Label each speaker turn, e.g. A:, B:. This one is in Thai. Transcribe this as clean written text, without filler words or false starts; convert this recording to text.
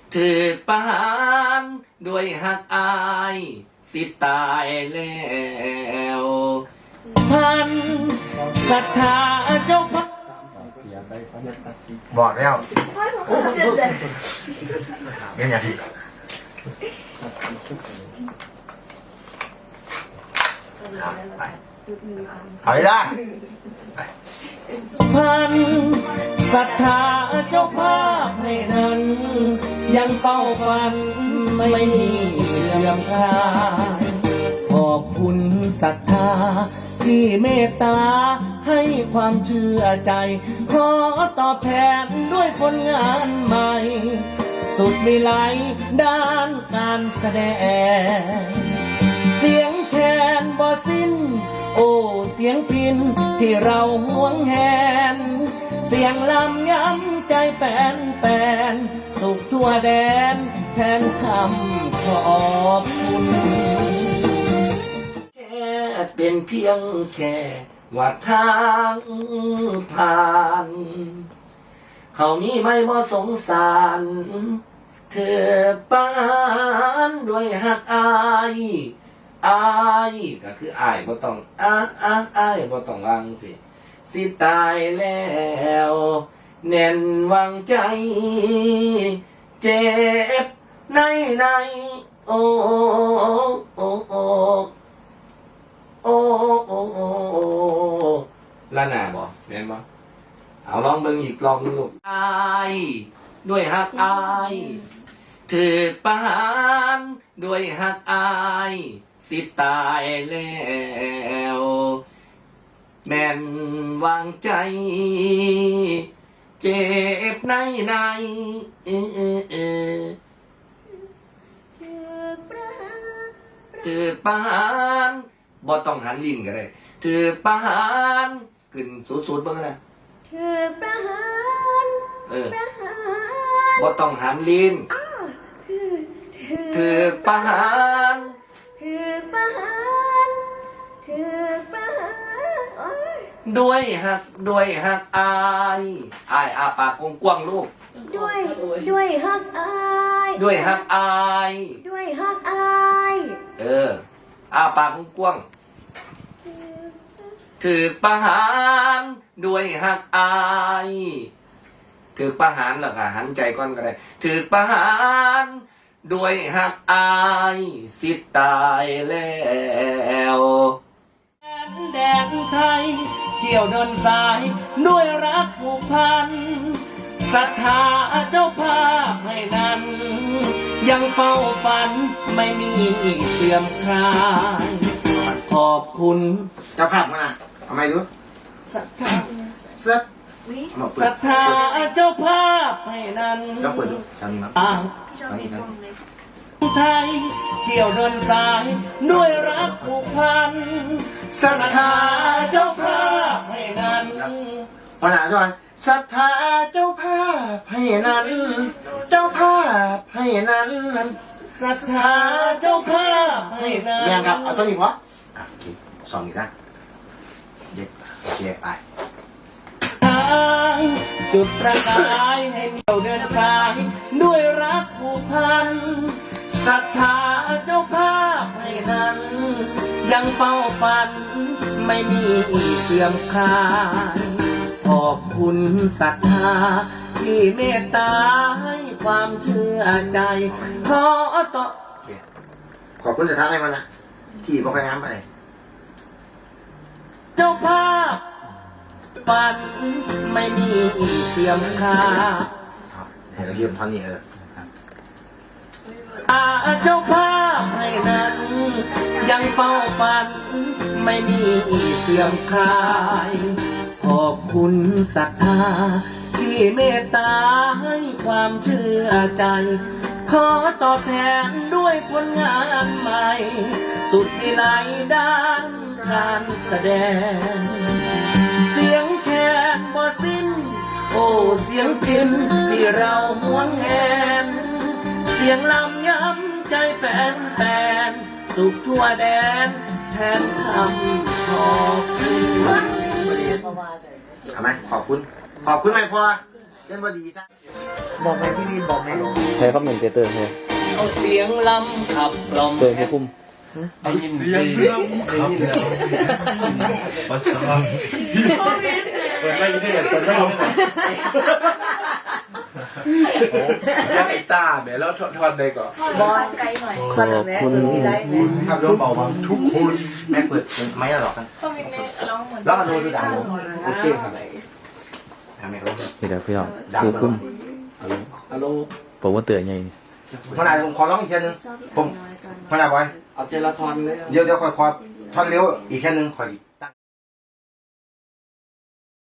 A: ถือประหารด้วยหักอายสิตายแล้วพันศรัทธาเจ้าพัก
B: บอกแล้วเงี้ยอย่างเอาได้
A: พันศรัทธาเจ้าภาพให้นั้นยังเป้าฝันไม่มีเสื่อมคลายขอบคุณศรัทธาที่เมตตาให้ความเชื่อใจขอตอบแทนด้วยผลงานใหม่สุดวิไลด้านการแสดงเสียงแคนบ่สิ้นโอ้เสียงพินที่เราหวงแหนเสียงลำย้ำใจแฟนสุขทั่วแดนแทนคำขอบคุณแค่เป็นเพียงแค่ว่าทางผ่านเขามีไม่บ่สงสารเธอปานด้วยหักอายก็คืออายบ่ต้องอายบ่ต้องวางสิตายแล้วแน่นวางใจเจ็บในโอ้โอ้โอ้โอ้โอ้โอ้ละหนาบ่แม่นบ่เอาลองเบิ่งอีกลองลูกอายด้วยหักอายถือประหารด้วยหักอายสิตายแล้วแม่นวางใจเจ็บในถือประหารบ่ต้องหันลิ้นก็ได้ถือประหารขึ้นสูดๆเบิ่งนะ
C: ถือประหารประหาร
A: บ่ต้องหันลิ้นถือประหาร
C: ถือประหารถือประหาร
A: ด้วยหักอายอาปากกว้างๆลูก
C: ด้วยฮักอาย
A: ด้วยหักอาย
C: ด้วยฮักอาย
A: อาปากกว้างถือประหารด้วยหักอายถือประหารหรอกหันใจก่อนก็ได้ถือประหารด้วยหักอายสิตายแล้วแดนไทยเที่ยวเดินสายด้วยรักผูกพันศรัทธาเจ้าภาพให้นั้นยังเฝ้าฝันไม่มีเสื่อมคลายขอบคุณ
B: เจ้าภาพมาทำไมรู้
A: ศรัทธา
C: ศรัทธา
A: เจ้าภาพให้นั้น
B: ก็เปิดดูทางนี้มั้ง
A: ไทยเที่ยวเดินสายด้วยรักผูกพันศรัทธาเจ้าภาพให้นั้น
B: พอหนาจ้อยศรัทธาเจ้าภาพให้นั้นเจ้าภาพให้นั้น
A: ศรัทธาเจ้าภาพให้นั้น
B: แม่ครับเอาสนิทวะกินสองอีกนะเย็บไป
A: จุดประกายให้เที่ยวเดินสายด้วยรักผูกพันศรัทธาเจ้าภาพให้นั้นยังเฝ้าฝันไม่มีเสื่อมคลายขอบคุณศรัทธาที่เมตตาให้ความเชื่อใจขอต่อ
B: ขอบคุณศรัทธาให้มันนะที่บอกไปน้ำไป
A: เจ้าภาพฝันไม่มีเสื่อมคลาย
B: เดี๋ยวเราเยี่ยมท่อนนี้
A: เจ้าภาพให้นั้นยังเฝ้าฝันไม่มีเสื่อมคลายขอบคุณศรัทธาที่เมตตาให้ความเชื่อใจขอตอบแทนด้วยผลงานใหม่สุดวิไลด้านการแสดงเสียงแคนบ่สิ้นโอ้เสียงพินที่เราหวงแหนเสียงลำย้ำใจแฟนสุขทั่วแดนแทนคำขอบคุณ
B: ทำไมขอบคุณไม่พอเล่นบอดีซะ
D: บอกไหมพี่วินบอกไหม
E: ใช้คอมเมนเตอร์ใช่
A: เอาเสียงลำขับกล่อม
E: เติมให้คุ้ม
A: ได้ยินเสียงลำขับภาษาเปิดไม่ได้เปิดไม่ได้
B: เสียงไอ้ตาแม่แล้วทอนได้ก่อน
C: บอลไกลหน่อยคอนแม่สุดที่ไรแม่
B: ทำร้องเบาบางทุกคนแม่เปิดไม่หรอกกัน
C: ต้องมีแม่ร้องเหมือน
B: แล้วมาโดนดูดัง
A: โอเคครับ
B: ทำไมร้อง
E: นี่เดี๋ยวพี่น้องคือคุ้ม
A: ฮัลโหล
E: ผมว่าเตือนไง
B: ขนาดผมขอร้องอีกแค่นึงผมขนาดไว้
A: เอาเจลาทอนเลย
B: เดี๋ยวขอทอนเร็วอีกแค่นึงขออีก